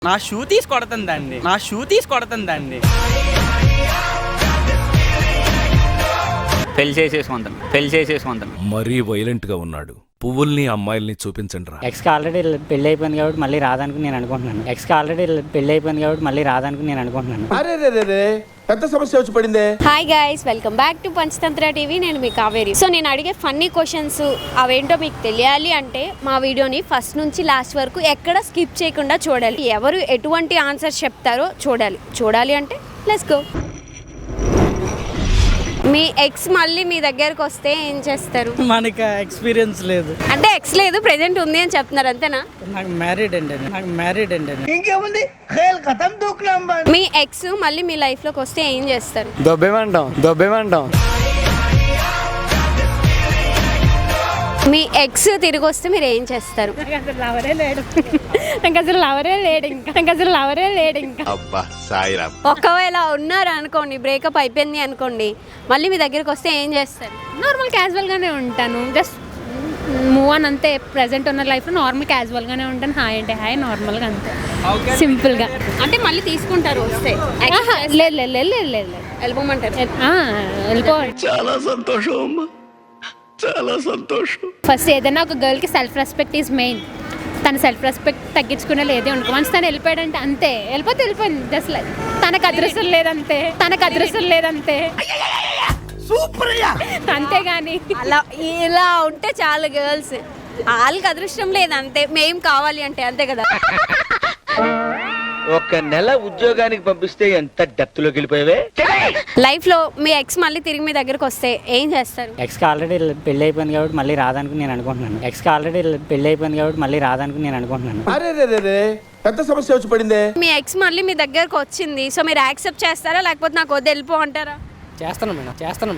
నా షూ తీసి కొడుతుందండి. పెళ్లి చేసేసుకుంటాను. మరీ వైలెంట్ గా ఉన్నాడు. పువ్వుల్ని అమ్మాయిల్ని చూపించండి రా. ఎక్స్కి ఆల్రెడీ పెళ్లి అయిపోయింది కాబట్టి మళ్ళీ రాదనుకుని నేను అనుకుంటున్నాను. అరే పెద్ద సమస్య వచ్చి పడిందే. Hi guys, welcome back to Panchatantra TV. నేను మీ కావేరి. సో నేను అడిగే ఫన్నీ క్వశ్చన్స్ అవేంటో మీకు తెలియాలి అంటే మా వీడియోని ఫస్ట్ నుంచి లాస్ట్ వరకు ఎక్కడ స్కిప్ చేయకుండా చూడాలి. ఎవరు ఎటువంటి ఆన్సర్ చెప్తారో చూడాలి అంటే లెట్స్ గో. మీ ఎక్స్ మళ్ళీ మీ దగ్గరకు వస్తే ఏం చేస్తారు? మనకి ఎక్స్పీరియన్స్ లేదు. అంటే ఎక్స్ లేదు, ప్రెజెంట్ ఉంది అని చెప్తున్నారు అంతేనా? నాకు మ్యారీడ్ అండి. ఇంకేముంది ఖేల్ ఖతం దూకునాం. మీ ఎక్స్ మళ్ళీ మీ లైఫ్ లోకి వస్తే ఏం చేస్తారు? దొబ్బేమంటాం. మీ ఎక్స్ తిరిగి వస్తే మీరు ఏం చేస్తారు? నాకు అసలు లవరే లేడు ఇంకా. ఒకవేళ ఉన్నారు అనుకోండి, బ్రేకప్ అయిపోయింది అనుకోండి, మళ్ళీ మీ దగ్గరికి వస్తే ఏం చేస్తారు? నార్మల్ క్యాజువల్గానే ఉంటాను. జస్ట్ మూవ్ ఆన్ అంతే. ప్రెసెంట్ ఉన్న లైఫ్లో నార్మల్ క్యాజువల్గానే ఉంటాను. హాయ్ అంటే హాయ్, నార్మల్గా అంతే, సింపుల్గా. అంటే మళ్ళీ తీసుకుంటారు వస్తే? లేదు వెళ్ళిపోమంటారు? వెళ్ళిపోవాలి. చాలా సంతోషం. ఫస్ట్ ఏదైనా ఒక గర్ల్కి సెల్ఫ్ రెస్పెక్ట్ ఈజ్ మెయిన్. తన సెల్ఫ్ రెస్పెక్ట్ తగ్గించుకునే లేదే అనుకో. వన్స్ తను వెళ్ళిపోయాడంటే అంతే, వెళ్ళిపోయింది. జస్ట్ లైక్ తనకు అదృష్టం లేదంతే. అంతేగాని అలా ఇలా ఉంటే చాలు గర్ల్స్. వాళ్ళకి అదృష్టం లేదంతే, మేం కావాలి అంటే అంతే కదా. ఒక నెల ఉద్యోగానికి పంపిస్తే ఎంత డెప్త్ లోకి వెళ్ళిపోయావే. లైఫ్ లో మీ ఎక్స్ మళ్ళీ తిరిగి మీ దగ్గరకు వస్తే ఏం చేస్తారు? ఎక్స్కి ఆల్రెడీ పెళ్లి అయిపోయింది కాబట్టి మళ్ళీ రాదనుకుని నేను అనుకుంటున్నాను. అరే పెద్ద సమస్య వచ్చి పడిందే. మీ ఎక్స్ మళ్ళీ మీ దగ్గరకు వచ్చింది, సో మీరు యాక్సెప్ట్ చేస్తారా లేకపోతే నాకు వద్దు వెళ్ళిపో అంటారా? చేస్తాను మేడం.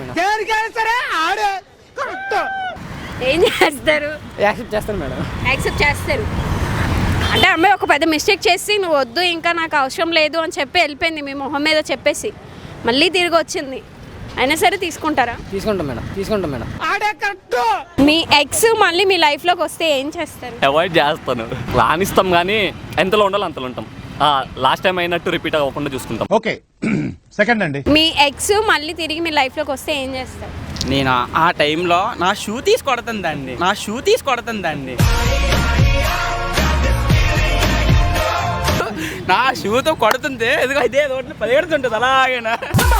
ఏం చేస్తారు? యాక్సెప్ట్ చేస్తాను మేడం. యాక్సెప్ట్ చేస్తారు అంటే అమ్మాయి ఒక పెద్ద మిస్టేక్ చేసి నువ్వు వద్దు ఇంకా నాకు అవసరం లేదు అని చెప్పి వెళ్ళిపోయింది, మీ మొహం మీద చెప్పేసి మళ్ళీ తిరిగి వచ్చింది, అయినా సరే తీసుకుంటారా? తీసుకుంటాం మేడం. మీ ఎక్స్ మళ్ళీ మీ లైఫ్లోకి వస్తే ఏం చేస్తారు? అవాయిడ్ చేస్తాను. రానిస్తాం కానీ ఎంతలో ఉండాలో అంతలో ఉంటాం. లాస్ట్ టైం అయినట్టు రిపీట్ అవ్వకుండా చూసుకుంటాం. ఓకే సెకండ్ అండి. మీ ఎక్స్ మళ్ళీ తిరిగి మీ లైఫ్లోకి వస్తే ఏం చేస్తారు? నేను ఆ టైంలో నా షూ తీసి కొడుతుందండి. నా షూతో కొడుతుంది, ఎదుగో ఇదే రోడ్లు పరిగెడుతుంటుంది అలాగేనా.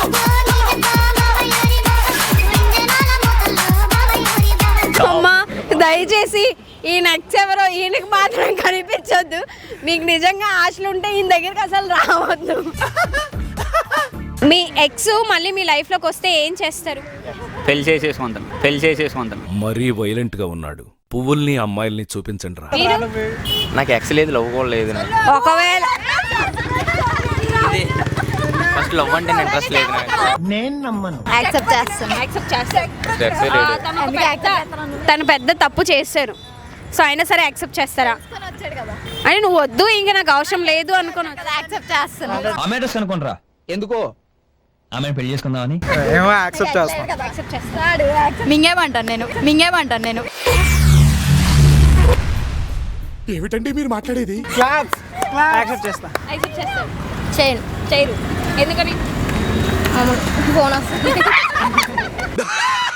అమ్మా దయచేసి ఈ నెక్స్ట్ ఎవరో ఈయనకి మాత్రం కనిపించొద్దు. మీకు నిజంగా ఆశలు ఉంటే ఈయన దగ్గరికి అసలు రావద్దు. మీ ఎక్స్ మళ్ళీ మీ లైఫ్లోకి వస్తే ఏం చేస్తారు? పెళ్లి చేసేసుకుంటాను. మరీ వైలెంట్ గా ఉన్నాడు. పువ్వుల్ని అమ్మాయిల్ని చూపించండి రా. నాకు ఎక్స్ లేదు, లవ్ కూడా లేదు. ఒకవేళ ఫస్ట్ లవ్ అంటే ఇంట్రెస్ట్ లేదు. నేను నమ్మను. యాక్సెప్ట్ చేస్తారు. తను పెద్ద తప్పు చేశారు, సో అయినా సరే యాక్సెప్ట్ చేస్తారా? అని నువ్వు వద్దు ఇంకా నాకు అవసరం లేదు అనుకున్నా యాక్సెప్ట్ చేస్తాను. అనుకుంటారా ఎందుకో ఆమె పెళ్లి చేసుకుందామని యాక్సెప్ట్ చేస్తాను. మింగేమంటాను నేను. ఏమిటండి మీరు మాట్లాడేది? యాక్సెప్ట్ చేస్తా. చేయరు. ఎందుకని? ఫోన్ వస్తుంది.